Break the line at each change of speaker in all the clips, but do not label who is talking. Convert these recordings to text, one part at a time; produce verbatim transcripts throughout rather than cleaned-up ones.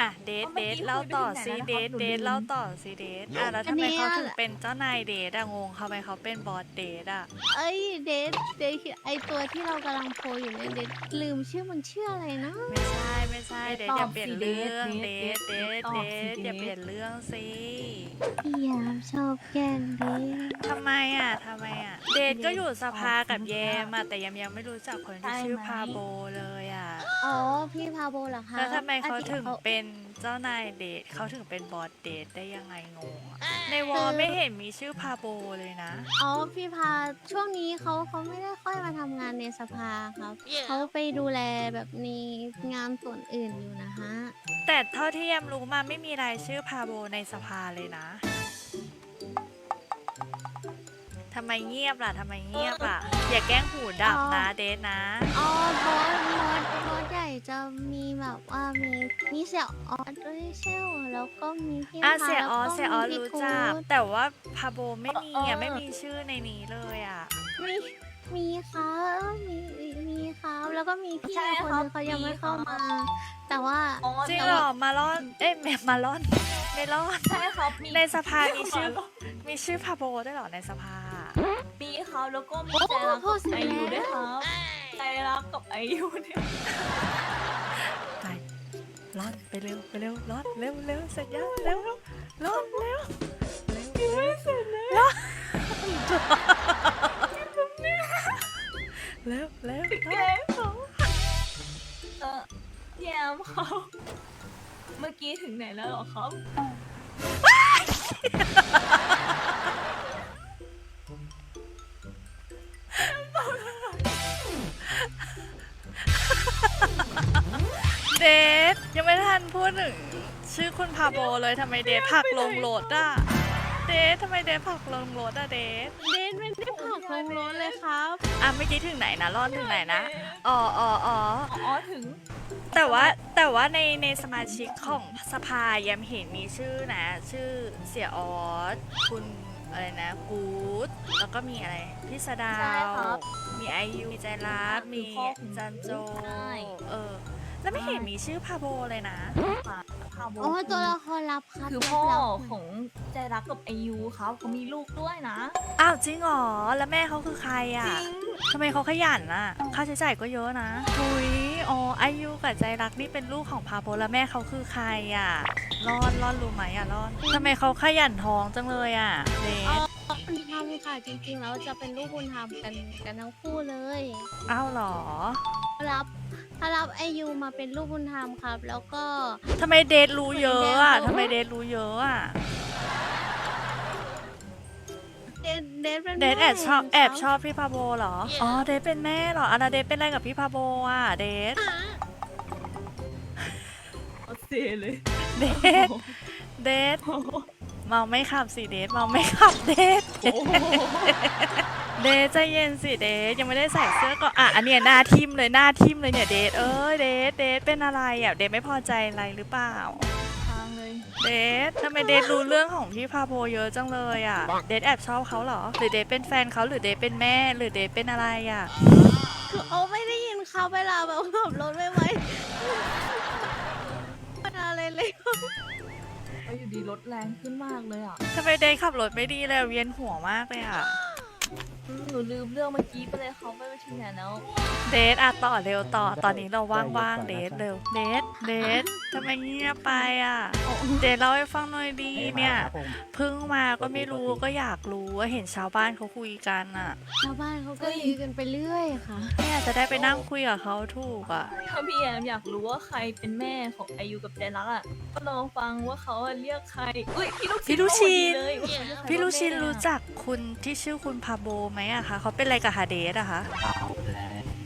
อ่ะเดทเดทเล่าต่อซิเดทเดทเล่าต่อซิเดทอ่ะแล้วทำไมเขาถึงเป็นเจ้านายเดทอะงงทำไมเขาเป็นบอสเดทอะ
เอ้ยเดทเดทไอตัวที่เรากำลังโพลอยู่เนี่ยเดทลืมชื่อมันชื่ออะไรนะ
ไม่ใช่ไม่ใช่เดทอย่าเปลี่ยนเรื่องเดทเดทเดทอย่าเปลี่ยนเรื่องสิ
พี่ยามชอบแกล้งเดท
ทำไมอ่ะทำไมอ่ะเดทก็อยู่สภากับแยมอ่ะแต่ยังยังไม่รู้จักคนที่ชื่อพาโบเลยอ่ะ
อ๋อพี่พาโบเหรอคะ
แล้วทำไมเขาถึง
เขา
เป็นเจ้านายเดทเขาถึงเป็นบอสเดทได้ยังไงงงอะในวอลไม่เห็นมีชื่อพาโบเลยนะ
อ๋อพี่พาช่วงนี้เขาเขาไม่ได้ค่อยมาทำงานในสภาครับเขาไปดูแลแบบในงานส่วนอื่นอยู่นะฮะ
แต่เท่าที่แยมรู้มาไม่มีรายชื่อพาโบในสภาเลยนะทำไมเงียบล่ะทำไมเงียบล่ะอย่าแกล้งหูดับนะเดทนะ
อ๋อบอสบอสบอสใหญ่จะมีแบบว่ามีมีเสี่ยออสด้วยใช่ไหมแล้วก็มีพี่
อ่ะ
พา
เสีย
แล้ว
ออ
ก็
เสียออ
มีพี่
รู้
ทู
จัก
ต
แต่ว่าพาโบไม่มีอ่ะไม่มีชื่อในนี้เลยอ่ะ
มีมีครับมีมีครับแล้วก็มีพี่
ใช่
คน
ครั
นึ
บ
งเขายัง
มี
ไม่เข้า
ครับ
มา แต่ว่า
อ๋อ
จริง
แต่
เหร
ว่า
อมาลอนเอ๊ะไม่มาลอนไม่ลอน
ใช่ครับมี
ในสภามีชื่อมีชื่อพาโบได้วยเหรอในสภา
มีครับแล้วก็มีใจรักกับไอยูด้วยครับใจรักกับไอยูเนี่ย
ไปลอนไปเร็วไปเร็วลอนเร็วเร็วเสร็จยังเร็วลอนเร็วเร็วเร็วไม่เสร็จเลยเร็วเร็ว
แกล้งเขาเออแยมเขาเมื่อกี้ถึงไหนแล้วเหรอครับ
เดทยังไม่ทันพูดถึงชื่อคุณพาโบเลยทำไมเดทผลักลงรถอ่ะเดททำไมเดทผลักลงรถอ่ะเดท
เดนไม่ได้ผลักลงรถเลยครับ
อ่ะเมื่อกี้ถึงไหนนะลอนถึงไหนนะอ๋ออ๋ออ๋อ
อ๋อถึง
แต่ว่าแต่ว่าในในสมาชิกของสภายังเห็นมีชื่อนะ ชื่อเสียออสคุณอะไรนะกู๊ดแล้วก็มีอะไรพี่สดา
ใช่
ว
ครับ
มีไอยูมีใจรัก
คือ
มี
พ่อของ
จันโจ
ใช่
เออแล้วไม่เห็นมีชื่อพาโบเลยนะ
พาโบ
อ๋อตัวละครลับครับ
คือ
รับ
พ่อ
รับ
ของใจรักกับไอยูครับเขามีลูกด้วยนะ
อ้าวจริงเหรอแล้วแม่เขาคือใคร
จ
อ่ะ
ริง
ทำไมเขาขยันอ่ะค่าใช้จ่ายก็เยอะนะหุยอ๋อไอยูกับใจรักนี่เป็นลูกของพาโบแล้วแม่เขาคือใครอ่ะรอนรอนรู้ไหมอ่ะรอนทำไมเขาขยันท้องจังเลยอ่ะเดท
บุญธรรมค่ะจริงๆแล้วจะเป็นลูกบุญธรรมกันกันทั้งคู่เลย
อ้าวเหรอ
รับถ้ารับไอยูมาเป็นลูกบุญธรรมครับ แล้วก็
ทำไมเดทรู้เยอะอ่ะทำไมเดทรู้เยอะอ่ะ
เดนเดนเป็น
เดทแอบชอบ
ม่
แอบ
ครับ
ชอบพี่พาโบเหรอ อ๋อเดทเป็นแม่เหรออ่ะแล้วเดทเป็นอะไรกับพี่พาโบอ่ะเดท
เอาเซเลย
เดทเดทเมาไม่ขับสิเดทเมาไม่ขับเดท
โอ้โห
เดทใจเย็นสิเดทยังไม่ได้ใส่เสื้อก่อนอ่ะอันเนี้ยหน้าทิมเลยหน้าทิมเลยเนี่ยเดทเอ้ยเดทเดทเป็นอะไรอ่ะเดทไม่พอใจอะไรหรือเปล่า
ทางเลย
เดททำไมเดทรู้เรื่องของพี่พาโบเยอะจังเลยอ่ะเดทแอบชอบเขาเหรอหรือเดทเป็นแฟนเขาหรือเดทเป็นแม่หรือเดทเป็นอะไรอ่ะ
คือเอาไม่ได้ยินเขาเวลาแบบขับรถไม่ไหวมันอะไรเลย
ก็อยู่ดีรถแรงขึ้นมากเลยอ่ะ
ทำไมเดทขับรถไม่ดีเลยเวียนหัวมากเลยอ่ะ
อืมหนูลืมเรื่องเมื่อกี้ไปเลยเขาไปถึงไหนแล้ว
เดทอ่ะต่อเร็วต่อตอนนี้เราว่างๆเดทเร็วเดทเดททำไมเงียบไปอ่ะเดทเล่าให้ฟังหน่อยดีเนี่ยเพิ่งมาก็ไม่รู้ก็อยากรู้ว่าเห็นชาวบ้านเขาคุยกันอ่ะ
ชาวบ้านเขาก็ยืนกันไปเรื่อยค่ะ
เนี่ยจะได้ไปนั่งคุยกับเขาถูกอ่ะ
ถ้าพี่แอมอยากรู้ว่าใครเป็นแม่ของไอยูกับใจรักอ่ะ ก็ลองฟังว่าเขาอะเรียกใครอุ้ยพี่ลูก
พี่ลูกชิ้น
มาพอดีเลยว่าเขาเรียกใค
พี่ลูชิน
ว่าแม่
รู้จักคุณที่ชื่อคุณพาโบไหมอะคะเขาเป็นอะไรกับฮาเดสอะคะ
เอาแล้ว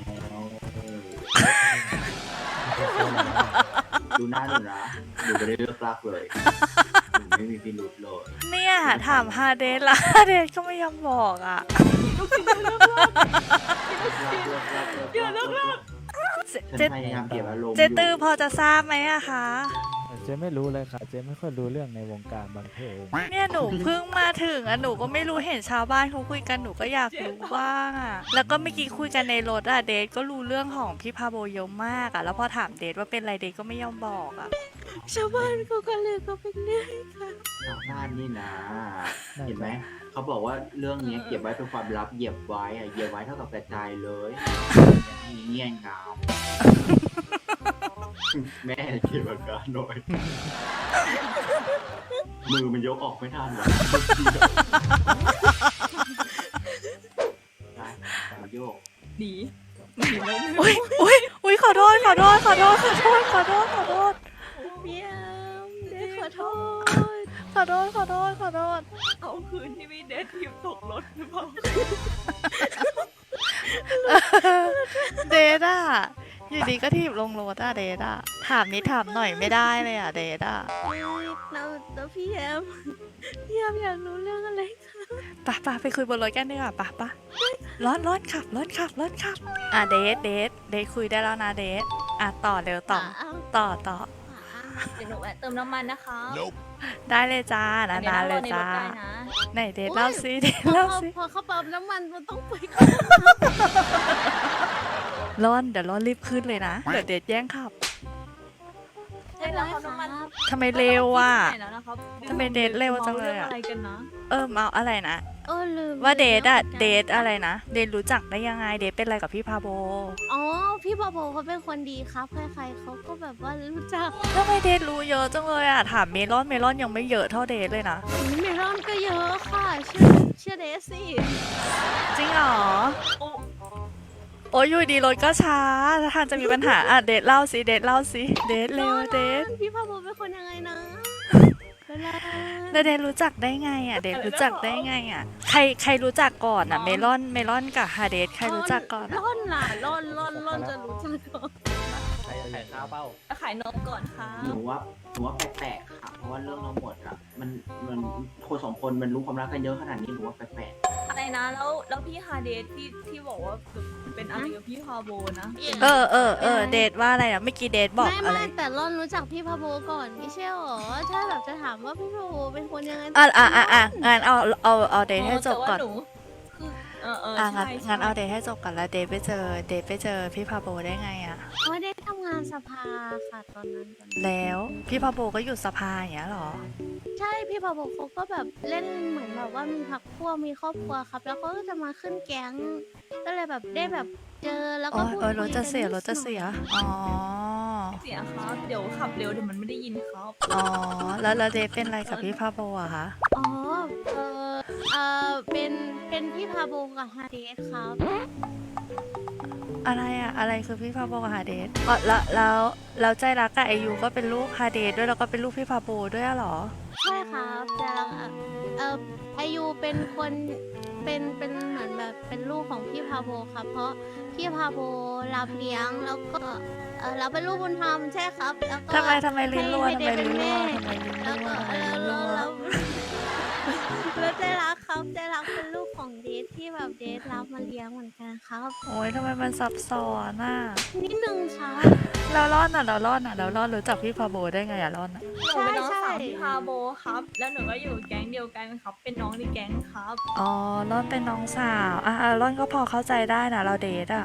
ดูหน้าหนูนะหนูไม่ได้เลือกรักเลยหนูไม่มีพิรุธเลย
เนี่ยถามฮาเดสละฮาเดสก็ไม่ยอมบอกอะ
เลือกรักเลือกรักเลือกรัก
เจ
ฉันพยายามเก็บอารมณ์
เจตือพอจะทราบไหมอะคะ
ฉ
เจ๊ไม่รู้เลยค่ะเจ๊ไม่ค่อยรู้เรื่องในวงการบันเทิง
เนี่ยหนูเพิ่งมาถึงอ่ะหนูก็ไม่รู้เห็นชาวบ้านเขาคุยกันหนูก็อยากรู้บ้างอ่ะแล้วก็เมื่อกี้คุยกันในรถอ่ะเดทก็รู้เรื่องของพี่พาโบเยอะมากอ่ะแล้วพอถามเดทว่าเป็นอะไรเดทก็ไม่ยอมบอกอ่ะ
ชาวบ้านเขาก็เลยก็เป็นเรื่องค่ะ
ทางบ้านนี่นะ เห็นไหม เขาบอกว่าเรื่องเนี้ยเก็บไว้เป็นความลับเหยียบไว้อะเหยียบไว้เท่ากับกระจายเลยมีเงี้ยงาม แม่เก็บอาการหน่อย มือมันยกออกไม่ทันหรอกมาโยก
ดีหนีแล้ว
อุ้ยอุ้ยอุ้ยขอโทษขอโทษขอโทษขอโทษขอโทษขอโทษ
พี่แอมเดทขอโทษ
ขอโทษขอโทษขอโทษ
เอาคืนที่ไม่เดททีมตกรถหรือเปล่า
เดทอ่ะอยู่ดีก็ถีบลงรถอ่ะเดทอ่ะถามนิดถามหน่อยไม่ได้เลยอ่ะเดทอ่ะ
แล้วแล้วพี่แอมพี่แอมอยากรู้เรื่องอะไรคะ
ปะปะไปคุยบนรถกันดีกว่าปะปะร้อนร้อนขับร้อนขับร้อนขับอ่ะเดทเดทเดทคุยได้แล้วนะเดทอ่ะต่อเร็วต่อ
อ้าว
ต่อต่อ
เดี๋ยวหนูแวะเติมน้ำมันนะคะ
ได้เลยจ้า
อั
นาน
นี้
นาน
ร
เล
อย ในร
จ้า
ถได้นะ
ไหนเดทเล่าซิเดท
พอ
เล่า
เขา
ซิ
พอเขาเติมน้ำมันมันต้องไป
ร้อนเดี๋ยวร้อนรีบขึ้นเลยนะเดี๋ยวเดทแย่งขับ
ใช่แล้วเขาน้ำมัน
ทำไมเร็วอ่ะ
ไหนแล้วนะครับ
ทำไมเดทเร็วจังเลยอะ
มารื่องอะไรกันนะ
เออเอาอะไรนะ
เออลืม
ว่าเดทอะ
ลืม
เดทอะไรนะเดทรู้จักได้ยังไงเดทเป็นอะไรกับพี่พาโบ
อ๋อพี่บอโบเขาเป็นคนดีครับใครๆเขาก็แบบว่ารู้จัก
ทำไมเดทรู้เยอะจังเลยอะถามเมลอนเมลอนยังไม่เยอะเท่าเดทเลยนะ
เมลอนก็เยอะค่ะชื่อชื่อเดซี่
จริงเหรอ
โอ้
โอ้ยอยู่ดีรถก็ช้าถ้าทางจะมีปัญหาอ่ะเดทเล่าสิเดทเล่าสิเดทเร็วเดท
พี่พาโบเป็นคนยังไงนะเวลา
แล้วเดทรู้จักได้ไงอ่ะเดทรู้จักได้ไงอ่ะใครใครรู้จักก่อนอ่ะเมลอนเมลอนกับฮาเดทใครรู้จักก่อนอะ
ร่อนล่ะร่อนร่อนร่อนจะรู้จักก่อน
ใครใครข้าวเป้า
ขายนมก่อนค่ะ
หนูว่าหนูว่าแปลกๆค่ะ เพราะว่าเรื่องทั้งหมดอะมันมันคนสองคนมันรู้ความรักกันเยอะขนาดนี้หนูว่าแปลก
อะไรนะแล้วแล้วพี่ฮาเดทที่ที่บอกว่าเป็นอะไรกับพี่ฮาโบนะ
เออเออเออเดทว่าอะไรอ่ะเมื่อกี้เดทบอก
ไม่
อะไร
ไม่แต่ร่อนรู้จักพี่พาโบก่อนไม่ใช่หรอถ้าแบบจะถามว่าพี่พาโบเป็นคนยังไง
อ่ะอ่ะอ่ะอ่ะงั้นเอาเอาเอาเดทให้จบก่อน
แต่ว่าหนูคือเออเออ
อ่ะ
ใช่
งั้น
ใช่
งั้นเอาเดทให้จบก่อนแล้วเดทไปเจอเดทไปเจอพี่พาโบได้ไงอ่ะ
ไม่ได้ทำงานสภาค่ะตอนนั้นตอนนั้น
แล้วพี่พาโบก็อยู่สภาอย่างเงี้ยเหรอ
ใช่พี่พาโบเขาก็แบบเล่นเหมือนแบบว่ามีพักพวกมีครอบครัวครับ แล้วเขาก็จะมาขึ้นแก๊งก็เลยแบบได้แบบเจอแล้ว
อ๋
ก็
อ
พูด
เออร
คุ
ถ
ย
จะ
กัน
เสีย
นิด
รถจะเสีย อ๋อ
เสียครับ เดี๋ยวขับเร็วเดี๋ยวมันไม่ได้ยินครับ
อ๋อ แล้วแล้วเดทเป็นอะไรกับพี่พาโบอะคะ
อ๋อเออเออเป็นเป็นพี่พาโบกับฮาเดสครับ
อะไรอะอะไรคือพี่พาโบกับฮาเดทอ๋อแล้วแล้วแล้วใจรักกับไอยูก็เป็นลูกฮาเดทด้วยแล้วก็เป็นลูกพี่พาโบด้วยอะเหรอ
ใช่ครับแต่ละเอออายุเป็นคนเป็นเป็นเหมือนแบบเป็นลูกของพี่พาโบครับ เพราะพี่พาโบรับเลี้ยงแล้วก็เออเราเป็นลูกบุญธรรมใช่ครับ แล้วก็
ทำไมทำไมลิ้นรัว
ให้
ทำไม
ให้เด
ลิ้น
เป็น
รัว
แม่
ทำไมลิ้น
แล้ว
รัว
ก็
ทำไม
แล้ว
ลิ้น
แล้
รั
ว
ว
แล้วแล้วใจรักครับใจรักเป็นลูกของเดทที่แบบเดทรับมาเลี้ยงเหมือนกันครับ
โอ้ยทำไมมันซับซ้อนอะ
นิดนึงครับ
แล้วรอดอะแล้วรอดอะแล้วรอดรู้จักพี่พาโบได้ไงอะรอดอะ
หนูเป็นน้อง
ใช่
สาว
ใช่
พี่ฮาโบครับ แล้วหนูก็อยู่แก๊งเดียวกันครับ เป็นน้องในแก๊งครับ
อ๋อรอดเป็นน้องสาวอ่ะอ่ะรอดก็พอเข้าใจได้นะเราเดทอะ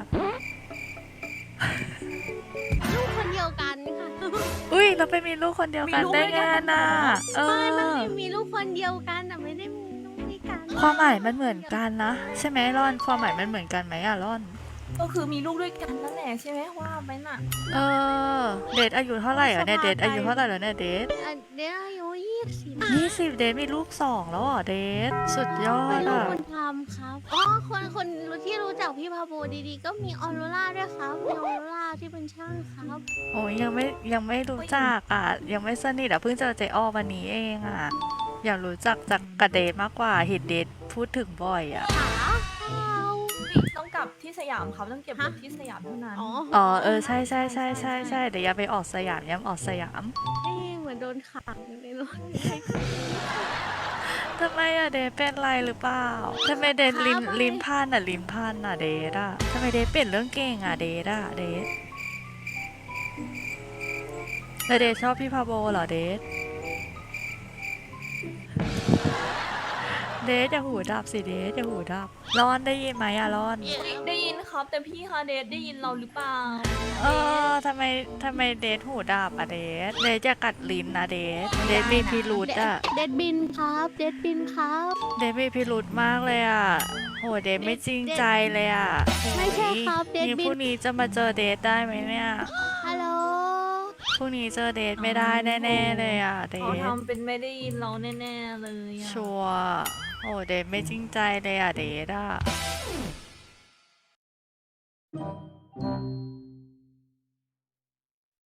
ลูกคนเดียวกันค่ะ
อุ้ยเราไปมีลูกคนเดียวกันได้ไงน่ะเอ
ไม่ไม่
อ
ได้มีลูกคนเดียวกันแต่ไม่ได้มีลูกด้วยกัน
ความหมายมันเหมือนกันนะใช่ไหมร่อนความหมายมันเหมือนกันไหมอะร่อน
ก็คือมีลูกด้วยกันนั่นแหละใช่ไหมว่าไปน่ะ
เออเดทอายุเท่าไหร่อ่ะเนี่ยเดทอายุเท่าไหร่แล้วเนี่ยเดท
อ่ะเดี๋ยวอายุยี่สิบ
ยี่สิบเดทมีลูกสองแล้วเหรอเดทสุดยอ
เป็
ด
นลูก
อ่ะ
คนทำครับ อ๋อ คนคนที่รู้จักพี่พาโบดีๆ ก็มีออโรราด้วยครับ มีออโรราที่เป็นช่างครับ
โอ้ยยังไม่ยังไม่รู้จักอ่ะยังไม่สนิทอ่ะเพิ่งเจอเจอ้อวันนี้เองอ่ะอยากรู้จักจากกับเดทมากกว่าเห็นเดทพูดถึงบ่อยอ่ะ
ขาเรา
ต้องกลับที่สยามครับ ต้องเก็บรถที่สยามเท่านั้น
อ๋อ
อ๋อเออใช่ใช่ใช่ใช่ใช่เดี๋ยวอย่าไปออกสยามย้ำออกสยาม
นี่เหมือนโดนขังอยู่ในรถ
ทำไมอะเดทเป็นไรหรือเปล่าทำไมเดทลิ้นลิ้นพันอะลิ้นพันอะเดทอะทำไมเดทเป็นเรื่องเก่งอะเดทอะเดทแล้วเดทชอบพี่พาโบเหรอเดทเดทอย่าหูดับสิเดทอย่าหูดับร้อนได้ยินไหมอะร้อน
ได้ยินครับแต่พี่คาเดทได้ยินเราหรือเปล่า
เออทำไมทำไมเดทหูดับอะเดทเดทจะกัดลิ้นนะเดทเดทมีพิรุธอะ
เดดบินครับเดดบินครับ
เดทมีพิรุธมากเลยอะโหเดทไม่จริงใจเลยอะ
ไม่ใช่ครับเดด
นี่
บิ
พรุ่
น
งนี้จะมาเจอเดทได้ไหมเนี่ย
ฮัลโหล
พรุ่งนี้เจอเดทไม่ได้แน่ๆเลยอะเด
เขา
ท
ทำเป็นไม่ได้ยินเราแน่ๆเลยอะ
ชัวร์โอ้เดทไม่จริงใจเลยอะเดทอะ